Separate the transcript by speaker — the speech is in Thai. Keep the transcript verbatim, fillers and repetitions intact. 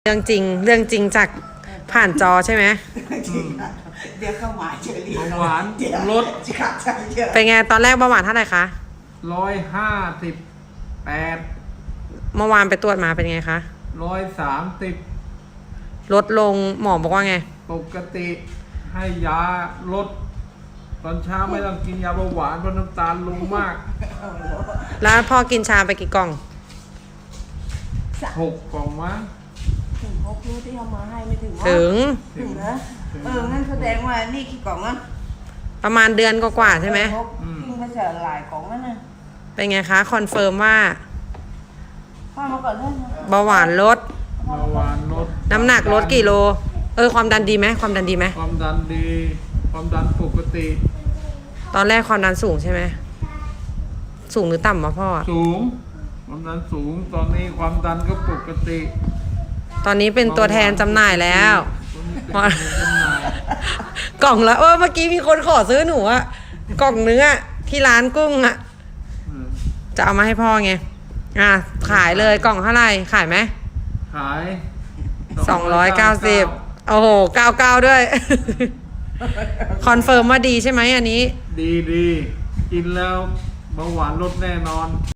Speaker 1: เรื่องจริงเรื่องจริงจากผ่านจอใช่ไหม
Speaker 2: เดี๋ยวเข้ามาเจอรี
Speaker 3: เบาหวานลด
Speaker 1: เป็นไงตอนแรกเบาหวานเท่าไหร่คะ
Speaker 3: ร้อยห้าสิบแปด
Speaker 1: เมื่อวานไปตรวจมาเป็นไงคะ
Speaker 3: ร้อยสามสิบ
Speaker 1: ลดลงหมอบอกว่าไง
Speaker 3: ปกติให้ยาลดตอนเช้าไม่ต้องกินยาเบาหวานเพราะน้ำตาลลงมาก
Speaker 1: แล้วพ่อกินชาไปกี่กล่อง
Speaker 3: หกกล่องมั้ง
Speaker 2: ถึงหกรู้ที่เอามาให้ไม่ถึง
Speaker 1: ถึง
Speaker 2: ถึงนะเอองั้นแสดงว่านี่กี่กล่องนะ
Speaker 1: ประมาณเดือนกว่าๆใช่ไหม
Speaker 2: กินไปเสียหลายกล่องนั่นนะ
Speaker 1: เป็นไงคะคอนเฟิร์มว่า
Speaker 2: พ่อมาก่อนเลย
Speaker 1: เบาหวานลด
Speaker 3: เบาหวานลด
Speaker 1: น้ำหนักลดกี่โลเออความดันดีไหมความดันดีไหม
Speaker 3: ความดันดีความดันปกติ
Speaker 1: ตอนแรกความดันสูงใช่ไหมสูงหรือต่ำวะพ่อ
Speaker 3: สูงความดันสูงตอนนี้ความดันก็ปกติ
Speaker 1: ตอนนี้เป็นตัวแทนจำหน่ายแล้วกล่องละเออเมื่อกี้มีคนขอซื้อหนูอะกล่องเนื้อที่ร้านกุ้งอะจะเอามาให้พ่อไงอ่ะขายเลยกล่องเท่าไหร่ขายไหม
Speaker 3: ขาย
Speaker 1: สองร้อยเก้าสิบโอ้โหเก้าเก้าด้วยคอนเฟิร์มว่าดีใช่ไหมอันนี้
Speaker 3: ดีดีกินแล้วเบาหวานลดแน่นอน